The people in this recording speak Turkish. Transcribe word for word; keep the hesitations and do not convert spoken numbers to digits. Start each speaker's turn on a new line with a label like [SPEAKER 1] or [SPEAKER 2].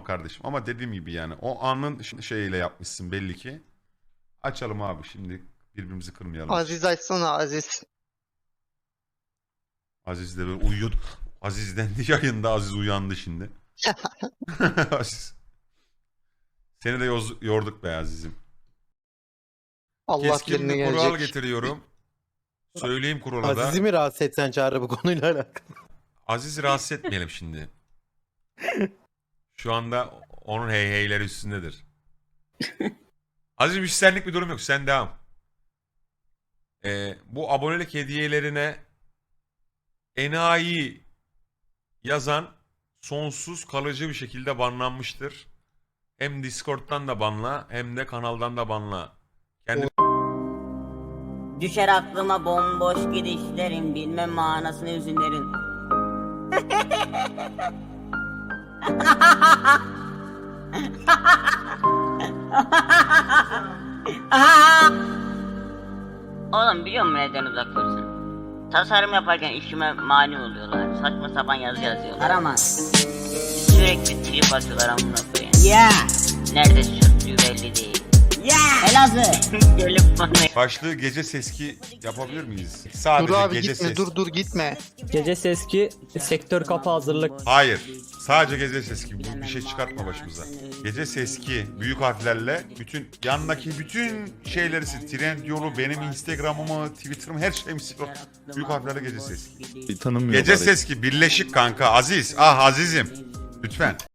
[SPEAKER 1] kardeşim. Ama dediğim gibi yani o anın şeyiyle yapmışsın belli ki. Açalım abi şimdi birbirimizi kırmayalım.
[SPEAKER 2] Aziz açsana Aziz.
[SPEAKER 1] Aziz de böyle uyuyordu. Aziz dendi yayında, Aziz uyandı şimdi. Aziz. Seni de yoz, yorduk be Aziz'im.
[SPEAKER 2] Allah
[SPEAKER 1] Keskin
[SPEAKER 2] birine
[SPEAKER 1] bir kural
[SPEAKER 2] gelecek.
[SPEAKER 1] getiriyorum. Söyleyeyim kuralı da.
[SPEAKER 3] Aziz'i mi rahatsız etsen Çağrı bu konuyla alakalı?
[SPEAKER 1] Aziz'i rahatsız etmeyelim şimdi. Şu anda onun hey heyleri üstündedir. Aziz'im hiç senlik bir durum yok. Sen devam. Ee, bu abonelik hediyelerine enayi yazan sonsuz kalıcı bir şekilde banlanmıştır. Hem Discord'dan da banla hem de kanaldan da banla. Kendi
[SPEAKER 4] Düşer aklıma bomboş gidişlerin, bilmem manasını hüzünlerin. Oğlum biliyor musun neden uzak dursun? Tasarım yaparken işime mani oluyorlar. Saçma sapan yazı yazıyorlar ama sürekli trip atıyorlar amına koyayım. Ya. Nerede sürttüğü belli değil. Ya. Elazığ. Gelip bana.
[SPEAKER 1] başlığı gece seski yapabilir miyiz? Sadece
[SPEAKER 2] Dur abi
[SPEAKER 1] gece
[SPEAKER 2] gitme
[SPEAKER 1] ses.
[SPEAKER 2] dur dur gitme.
[SPEAKER 5] Gece seski sektör kapı hazırlık.
[SPEAKER 1] Hayır. Sadece gece seski. Bir şey çıkartma başımıza. Gece seski büyük harflerle bütün yandaki bütün şeyleri sil. Trendyol'u, benim Instagram'ımı, Twitter'ımı, her şeyimi sil. Büyük harflerle gece seski.
[SPEAKER 6] Tanımıyorlar.
[SPEAKER 1] Gece seski birleşik kanka. Aziz. Ah Aziz'im. Lütfen.